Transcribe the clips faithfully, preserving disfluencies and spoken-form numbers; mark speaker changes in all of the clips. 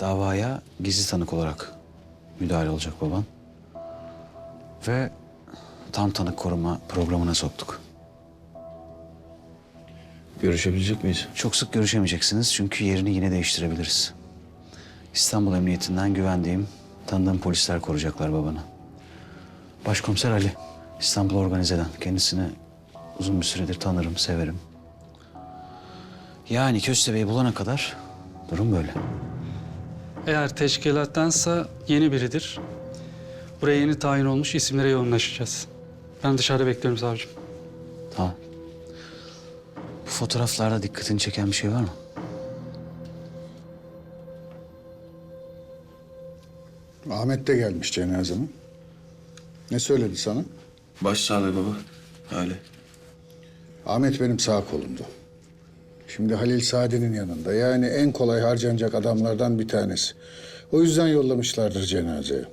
Speaker 1: davaya gizli tanık olarak müdahale olacak baban. Ve tam tanık koruma programına soktuk.
Speaker 2: Görüşebilecek miyiz?
Speaker 1: Çok sık görüşemeyeceksiniz çünkü yerini yine değiştirebiliriz. İstanbul Emniyetinden güvendiğim, tanıdığım polisler koruyacaklar babanı. Başkomiser Ali, İstanbul Organize'den. Kendisini uzun bir süredir tanırım, severim. Yani Köstebeği bulana kadar durum böyle.
Speaker 3: Eğer teşkilattansa yeni biridir. Buraya yeni tayin olmuş isimlere yoğunlaşacağız. Ben dışarıda bekliyorum savcım.
Speaker 1: Tamam. Bu fotoğraflarda dikkatini çeken bir şey var mı?
Speaker 4: Ahmet de gelmiş cenazeme. Ne söyledi sana?
Speaker 2: Başsağlığı baba. Öyle.
Speaker 4: Ahmet benim sağ kolumdu. Şimdi Halil Saadet'in yanında. Yani en kolay harcanacak adamlardan bir tanesi. O yüzden yollamışlardır cenazeye.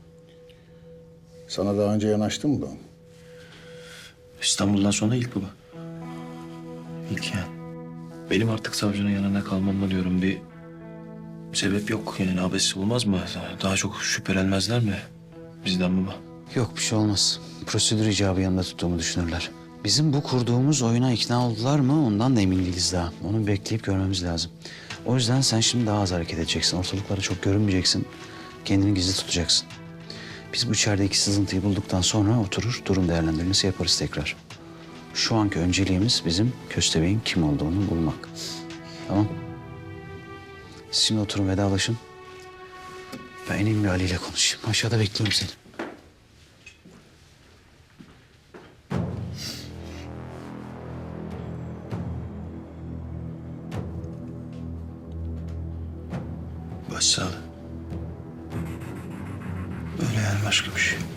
Speaker 4: Sana daha önce yanaştı mı bu?
Speaker 2: İstanbul'dan sonra ilk baba. İlk yani. Benim artık savcının yanında kalmamla diyorum bir sebep yok. Yani abesi olmaz mı? Daha çok şüphelenmezler mi bizden baba?
Speaker 1: Yok, bir şey olmaz. Prosedür icabı yanında tuttuğumu düşünürler. Bizim bu kurduğumuz oyuna ikna oldular mı ondan da emin değiliz daha. Onu bekleyip görmemiz lazım. O yüzden sen şimdi daha az hareket edeceksin. Ortalıklara çok görünmeyeceksin. Kendini gizli tutacaksın. Biz bu içerideki sızıntıyı bulduktan sonra oturur durum değerlendirmesi yaparız tekrar. Şu anki önceliğimiz bizim Köstebeğin kim olduğunu bulmak. Tamam. Siz şimdi oturun, vedalaşın. Ben ineyim bir Ali ile konuşayım. Aşağıda bekliyorum seni.
Speaker 2: Başsağlığı. Öyle yani, başka bir şey.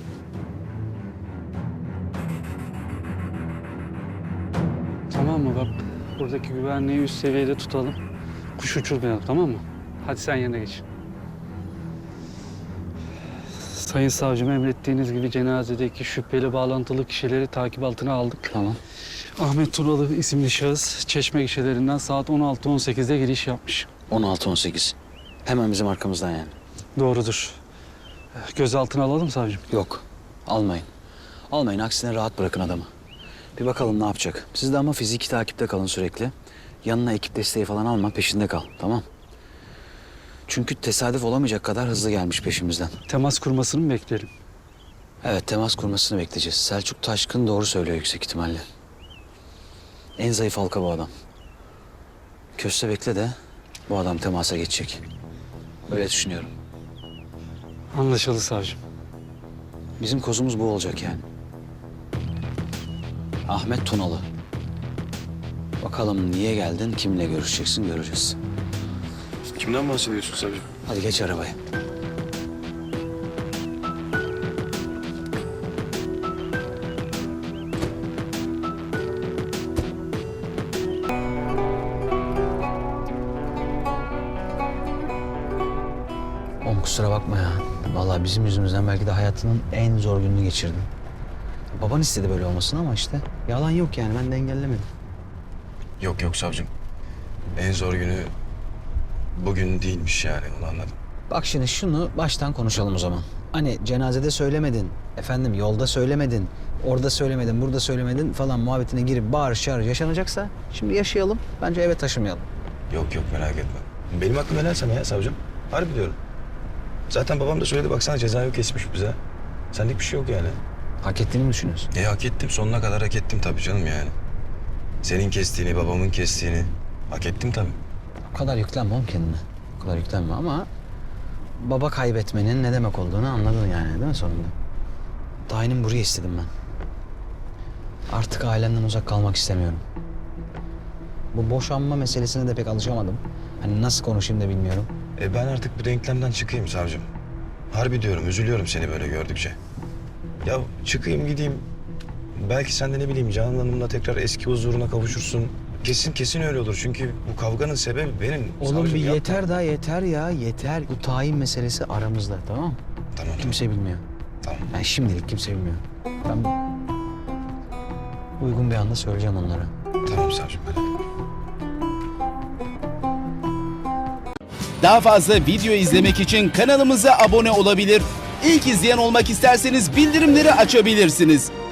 Speaker 3: Tamam mı bak? Buradaki güvenliği üst seviyede tutalım. Kuş uçurmayalım, tamam mı? Hadi sen yerine geç. Sayın savcım, emrettiğiniz gibi cenazedeki şüpheli bağlantılı kişileri takip altına aldık.
Speaker 1: Tamam.
Speaker 3: Ahmet Tunalı isimli şahıs Çeşme gişelerinden saat on altı on sekizde giriş yapmış.
Speaker 1: on altı on sekiz. Hemen bizim arkamızdan yani.
Speaker 3: Doğrudur. Gözaltına alalım savcım.
Speaker 1: Yok, almayın. Almayın, aksine rahat bırakın adamı. Bir bakalım ne yapacak. Siz de ama fiziki takipte kalın sürekli. Yanına ekip desteği falan alma, peşinde kal, tamam? Çünkü tesadüf olamayacak kadar hızlı gelmiş peşimizden.
Speaker 3: Temas kurmasını mı beklerim?
Speaker 1: Evet, temas kurmasını bekleyeceğiz. Selçuk Taşkın doğru söylüyor yüksek ihtimalle. En zayıf halka bu adam. Köstebek'le de bu adam temasa geçecek. Öyle düşünüyorum.
Speaker 3: Anlaşıldı savcım.
Speaker 1: Bizim kozumuz bu olacak yani. Ahmet Tunalı. Bakalım niye geldin, kimle görüşeceksin göreceğiz.
Speaker 2: Kimden bahsediyorsun savcım?
Speaker 1: Hadi geç arabaya. Oğlum kusura bakma ya. Vallahi bizim yüzümüzden belki de hayatının en zor gününü geçirdin. Baban istedi böyle olmasını ama işte yalan yok yani, ben de engellemedim.
Speaker 2: Yok yok savcım. En zor günü bugün değilmiş yani, onu anladım.
Speaker 1: Bak şimdi şunu baştan konuşalım o zaman. Hani cenazede söylemedin, efendim yolda söylemedin, orada söylemedin, burada söylemedin falan muhabbetine girip bağırış çağırış yaşanacaksa şimdi yaşayalım. Bence eve taşımayalım.
Speaker 2: Yok yok, merak etme. Benim aklım helal sana ya savcım. Harbi diyorum. Zaten babam da söyledi, baksana cezayı kesmiş bize. Senlik bir şey yok yani.
Speaker 1: Hak ettiğini mi düşünüyorsun?
Speaker 2: E hak ettim, sonuna kadar hak ettim tabii canım yani. Senin kestiğini, babamın kestiğini hak ettim tabii.
Speaker 1: O kadar yüklenme oğlum kendine. O kadar yüklenme ama baba kaybetmenin ne demek olduğunu anladın yani, değil mi sonunda? Tayinim buraya istedim ben. Artık ailemden uzak kalmak istemiyorum. Bu boşanma meselesine de pek alışamadım. Hani nasıl konuşayım da bilmiyorum.
Speaker 2: E ben artık bu denklemden çıkayım savcım. Harbi diyorum, üzülüyorum seni böyle gördükçe. Ya çıkayım gideyim. Belki sen de ne bileyim Canan Hanım'la tekrar eski huzuruna kavuşursun. Kesin kesin öyle olur. Çünkü bu kavganın sebebi benim.
Speaker 1: Oğlum
Speaker 2: savcım,
Speaker 1: bir
Speaker 2: yapma.
Speaker 1: yeter daha yeter ya yeter. Bu tayin meselesi aramızda, tamam mı?
Speaker 2: Tamam
Speaker 1: Kimse bilmiyor.
Speaker 2: tamam.
Speaker 1: Yani şimdilik kimse bilmiyor. Ben uygun bir anda söyleyeceğim onlara.
Speaker 2: Tamam savcım.
Speaker 5: Daha fazla video izlemek için kanalımıza abone olabilir. İlk izleyen olmak isterseniz bildirimleri açabilirsiniz.